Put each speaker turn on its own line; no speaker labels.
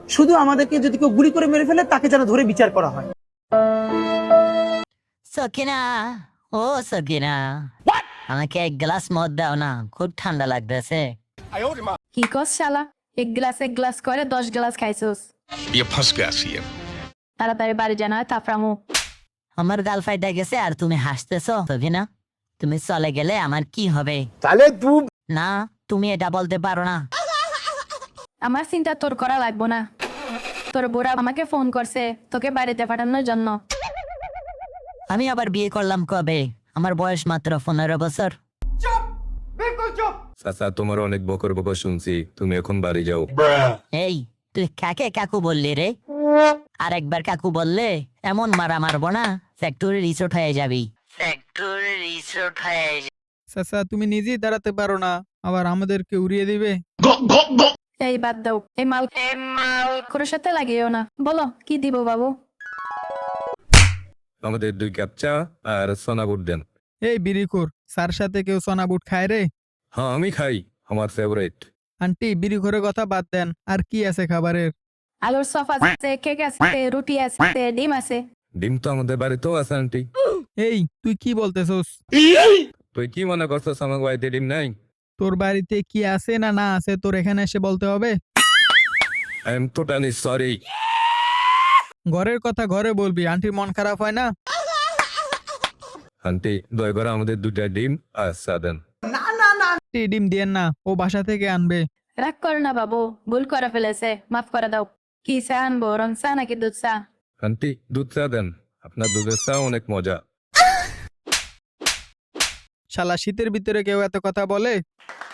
শুধু আমাদেরকে যদি কেউ গুলি করে মেরে ফেলে তাকে যেন ধরে বিচার করা হয়।
সকিনা, ও সকিনা, আমাকে এক গ্লাস মদ দাও না, খুব ঠান্ডা লাগতেছে।
কি কস শালা? এক গ্লাস করে 10 গ্লাস খাইছোস।
ये फंस गया सीएम।
তাড়াতাড়ি বাড়ি জানা হয় তাফরামু।
আমার গাল ফাইটা গেছে আর তুমি হাসতেছো সকিনা। তুমি চলে গেলে আমার কি হবে? না, তুমি এটা বলতে পারো না।
আমার চিন্তা তোর করা লাগবো না। তোর বুড়া আমাকে ফোন করছে তোকে বাড়িতে পাঠানোর জন্য।
আমি আবার বিয়ে করলাম কবে? আমার বয়স মাত্র 15 বছর।
চাচা তোমার অনেক বকর বকর শুনছি, তুমি এখন বাড়ি যাও।
এই, তুই কাকে কাকু বললি রে? আর একবার কাকু বললে এমন মারা মারবো না, ফ্যাক্টরি রিসোর্ট হয়ে যাবি। ফ্যাক্টরি রিসোর্ট হয়ে
চাচা তুমি নিজেই দাঁড়াতে পারো না, আবার আমাদেরকে উড়িয়ে দিবে।
এই বাদ দাও, এই মাল কোনো সাথে লাগিও না। বলো কি দিব বাবু?
আমাদের 2 কাপ চা আর সোনা বুট দেন।
এই বিড়িখোর, স্যার সাথে কেউ সোনা বুট খায় রে?
হ্যাঁ আমি খাই, আমার ফেভারিট।
আন্টি বিড়িখোরের কথা বাদ দেন, আর কি আছে খাবারের?
আলুর সফ আছে, কেক আছে, রুটি আছে, ডিম আছে।
ডিম তো আমাদের বাড়িতেও আছে আন্টি।
এই তুই কি বলতেছস?
তুই কি মনে করছিস আমার বাড়িতে ডিম নাই?
তোর বাড়িতে কি আছে না না আছে তোর এখানে এসে বলতে হবে?
I am totally sorry.
ঘরের কথা ঘরে বলবি, আন্টির মন খারাপ হয় না?
আন্টি দয়া করে আমাদের 2টা ডিম আর চা দেন।
আন্টি ডিম দিয়েন না, ও বাসা থেকে আনবে।
রাগ করো না বাবু, ভুল করে ফেলেছে, মাফ করে দাও। কি চা আনবো, রং চা নাকি দুধ চা?
আন্টি দুধ চা দেন, আপনার দুধের চা অনেক মজা।
শালা শীতের ভিতরে কেউ এত কথা বলে?